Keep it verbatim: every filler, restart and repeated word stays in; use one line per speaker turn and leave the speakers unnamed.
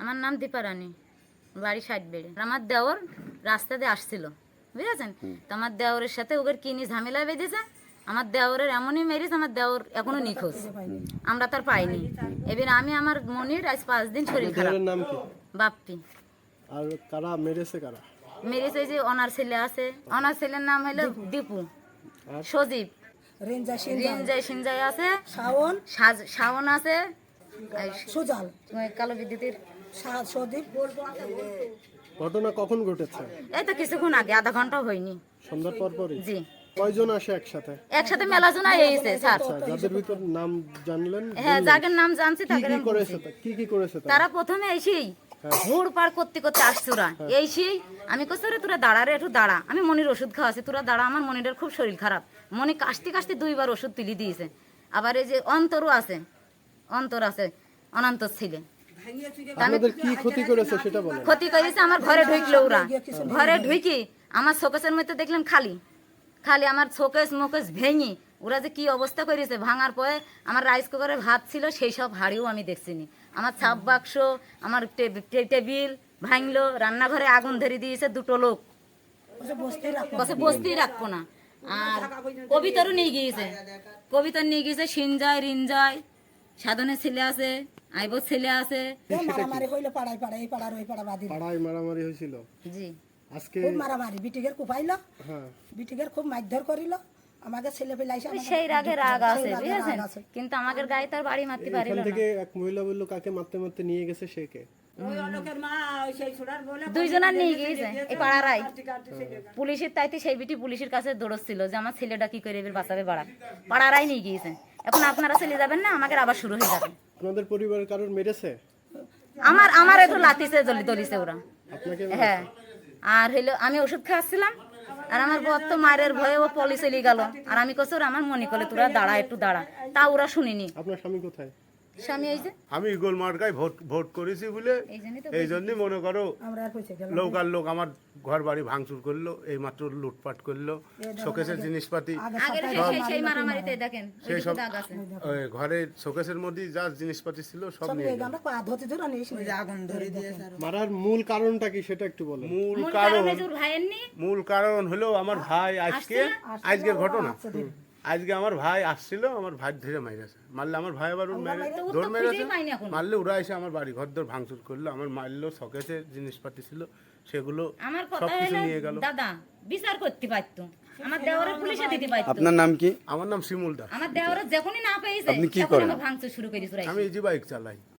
আমার নাম দীপা রানী, বাড়ি ষাট বেড়ে। আমার দেওর রাস্তা দিয়ে আসছিল, বুঝেছেন? তো আমার দেওরের সাথে ওদের কিনি ঝামেলা বেঁধেছে। আমার দেওরের এমনই মেরিস, আমার দেওর এখনো নিখোঁজ, আমরা তার পাইনি। এবার আমি আমার মনির আজ পাঁচ দিন শরীর খারাপ।
নাম কি?
বাপ্পি।
আর কারা মেরেছে কারা?
মেরিস এই যে অনার ছেলে আছে, অনার ছেলের নাম হলো দীপু, সজীব, রিঞ্জাই সিঞ্জাই আছে,
শাওন
সাজ- শাওন আছে, এই
সুজাল
কালো বিদ্যুতের।
সা- সদীপ
ঘটনা কখন ঘটেছে?
এই তো কিছুক্ষণ আগে, আধা ঘন্টা হয়নি।
সন্ধ্যার পর পরই?
জি,
কয়জন আসে একসাথে?
একসাথে মেলা জনা এসেছে স্যার।
আচ্ছা, যাদের ভিতর নাম জানলেন,
হ্যাঁ, যাদের নাম জানছি
কি
তাকে
কি
আমি
করেছে
বলছি।
তা- কি কি করেছে তারা?
তারা প্রথমে এসেই ঘুর পার করতে করতে আসছে ওরা। এইসেই আমি কইছি রে তোরা দাঁড়া রে, একটু দাঁড়া, আমি মনির ওষুধ খাওয়াছি, তোরা দাঁড়া, আমার মনিরের খুব শরীর খারাপ। মনি কাশতে কাশতে দুইবার ওষুধ তুলি দিয়েছে। আবার এই যে অন্তরও আছে, অন্তর আছে, অনন্তর ছিলে।
আপনাদের কি ক্ষতি করেছে সেটা বলেন।
ক্ষতি করেছে আমার ঘরে ঢুকলো ওরা, ঘরে ঢুকি আমার শোকেসের মধ্যে দেখলাম খালি খালি আমার শোকেস মোকেস ভেঙে ওরা যে কি অবস্থা করেছে। ভাঙার পরে আমার রাইস কুকারে ভাত ছিল, সেই সব হাড়িও আমি দেখছিনি। আমার ছাপ বাক্স, আমার টে- টে- টেবিল ভাঙলো, রান্নাঘরে আগুন ধরে দিয়েছে দুটো লোক, বসে বসতেই রাখবো না। আর কবিতারও নিয়ে গিয়েছে, কবিতার নিয়ে গিয়েছে সিনজয় রিনজয়, সাধনের ছেলে আছে, আইবর ছেলে আছে।
মারামারি হইলো পাড়ায় পাড়ায়, এই পাড়ার ওই পাড়া বাদি
পাড়ায় মারামারি হয়েছিল
জি,
আজকে?
খুব মারামারি, বিটিগের কুপাইলো,
হ্যাঁ,
বিটিগের খুব মারধর করিল। আমাকে ছেলে পেলে আইসা আমাকে
সেই রাগে রাগ আছে,
সেই রাগে
বুঝেছেন?
রাগ আছে।
কিন্তু আমাদের গায়ে তার বাড়ি মারতে পারিল
এখান
না।
থেকে এক মহিলা বললো কাকে মারতে মারতে নিয়ে গেছে, সে কে?
দুইজনার নিয়ে গিয়েছে এই পাড়ারাই। পুলিশের তাইতে সেই বিটি পুলিশের কাছে দৌড়চ্ছিল যে আমার ছেলেটা কি করে এবার বাঁচাবে, পাড়া পাড়ারাই নিয়ে গিয়েছে। এখন আপনারা চলে যাবেন না, আমাকে আবার শুরু হয়ে যাবে।
আপনাদের পরিবারের কারোর মেরেছে?
আমার আমার একটু লাতিছে, দলি দলিছে ওরা।
আপনাকে?
হ্যাঁ, আর হইলো আমি ওষুধ খাওয়াচ্ছিলাম, আর আমার বর তো মায়ের ভয়ে ও পলি চলে গেল। আর আমি কছি ওরা আমার মনে করলে তোরা দাঁড়া, একটু দাঁড়া, তা ওরা শুনিনি।
আপনার স্বামী কোথায়?
স্বামী এই যে
আমি ইগল মার্কায় ভোট ভোট করেছি বলে
এই জন্যই তো
এই জন্যই মনে করো
আমরা আর পয়সা গেলাম
লোক আর লোক আমার ঘর বাড়ি ভাঙচুর করলো, এই মাত্র লুটপাট করলো, শোকেসের জিনিসপাতি
আগের সেই সেই মারামারিতে দেখেন ওই
সেই
যে
সব
দাগ আছে।
ওই ঘরের শোকেসের মধ্যে যা জিনিসপাতি ছিল সব
সব
নিয়ে
নিয়ে
গেলো।
আমরা পা ধরতে ধরে নিয়ে এসে আগুন ধরে দিয়ে
মারার মূল কারণটা কি সেটা একটু বলেন।
মূল
মূল
কারণ
কারণে যে ওর ভাইয়ের নি
মূল কারণ হলো আমার ভাই আজকে আজকের ঘটনা, আজকে আমার ভাই আসছিল, আমার ভাই ধরে মাইরেছে, মারলে আমার ভাই আবার ওর মেরে
তো ও তো
ধর মেরেছে,
খুঁজেই পাইনি এখন।
মারলে ওরা এসে আমার বাড়ি ঘর দর ভাঙচুর করলো, আমার মারলো, শোকেসের জিনিসপাতি ছিল সেগুলো
আমার কথা
সবকিছু
হলো
নিয়ে গেল।
দাদা বিচার করতে পারতো, আমার দেওয়ারে পুলিশে দিতে পারতো।
আপনার নাম কি?
আমার নাম শিমুল দাস,
আমার দেওয়ারে যখনই না পেয়েছে
আপনি কি
তখন
করেন?
আমার ভাঙচুর শুরু করেছে।
আমি ইজি বাইক চালাই।